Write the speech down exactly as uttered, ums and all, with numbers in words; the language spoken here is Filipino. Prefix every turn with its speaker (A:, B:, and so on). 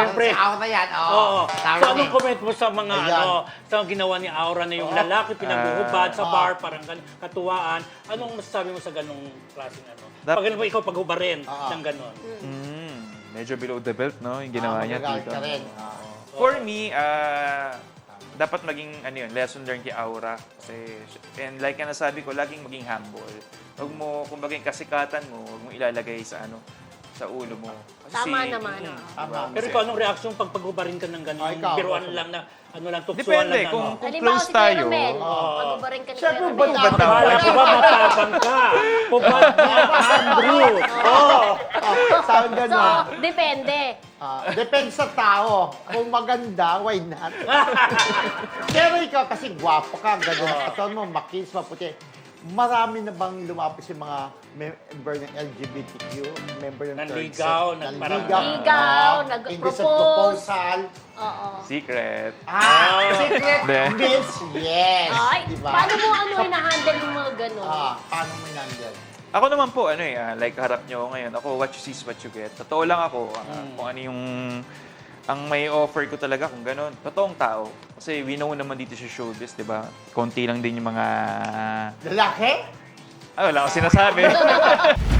A: Siyempre.
B: Si Aura yan, oo.
A: Oo.
B: Tama
A: So, anong
B: eh.
A: comment mo sa mga,
B: Ayan.
A: ano, sa ginawa ni Aura na yung lalaki pinaghuhubad sa
B: Ah.
A: bar, parang gan- katuwaan. Anong masasabi mo sa ganong klaseng ano?
C: Dap-
A: Pag ano ba ikaw paghubarin
B: Ah.
A: ng ganon?
C: Mm, medyo below the belt, no? Yung ginawa
B: Ah,
C: niya,
B: magagalit
C: tito.
B: ka rin. Oo.
C: For me, ah, dapat maging ano yun, lesson learned kay Aura. Kasi, and like na nasabi ko, laging maging humble. Huwag mo, kumbaga yung kasikatan mo, huwag mo ilalagay sa ano, sa ulo mo. Kasi
D: Tama
C: si-
D: naman.
C: Mm,
D: ah.
B: Tama.
A: Pero ikaw, anong reaksyon pag paghubarin ka ng ganon?
B: Ah, ikaw,
A: Biruan
B: ikaw.
A: lang na, ano lang, tuksuan
C: Depende,
A: lang na,
C: kung,
A: ano?
C: kung
D: Halimbawa
C: close
D: si Kuya
C: tayo.
D: Romel,
B: Oo.
D: pag-ubarin ka ni
B: Siyempre,
D: Kuya
B: ubad
D: Romel.
B: na-
A: Akala ko ba matapang ka? Pubad na, Andrew! Oo!
B: Oh, sabi
D: So,
B: gano'n.
D: depende.
B: Ah, depende sa tao. Kung maganda, why not? Pero ikaw kasi gwapo ka, ganda na katawan mo, makinis, maputi. Marami na bang lumapis yung mga member ng L G B T Q? Member ng third
A: Nanligaw,
B: sex?
A: nag- parang-
D: Ligaw,
B: Ah,
D: nag-propose.
B: indecent proposal.
D: Oo.
C: Secret.
B: Ah, secret
C: Hindi.
B: miss, yes.
D: Ay,
B: Diba?
D: paano mo ano na-handle yung mga gano'n?
B: Ah, paano mo nandyan?
C: Ako naman po, ano eh, ah, like harap nyo ako ngayon. Ako, what you see is what you get. Totoo lang ako. ah, Kung ano yung, ang may offer ko talaga kung gano'n. Totoong tao. Kasi we know naman dito sa showbiz, di ba? Konti lang din yung mga...
B: Lalaki?
C: Ah, wala akong sinasabi.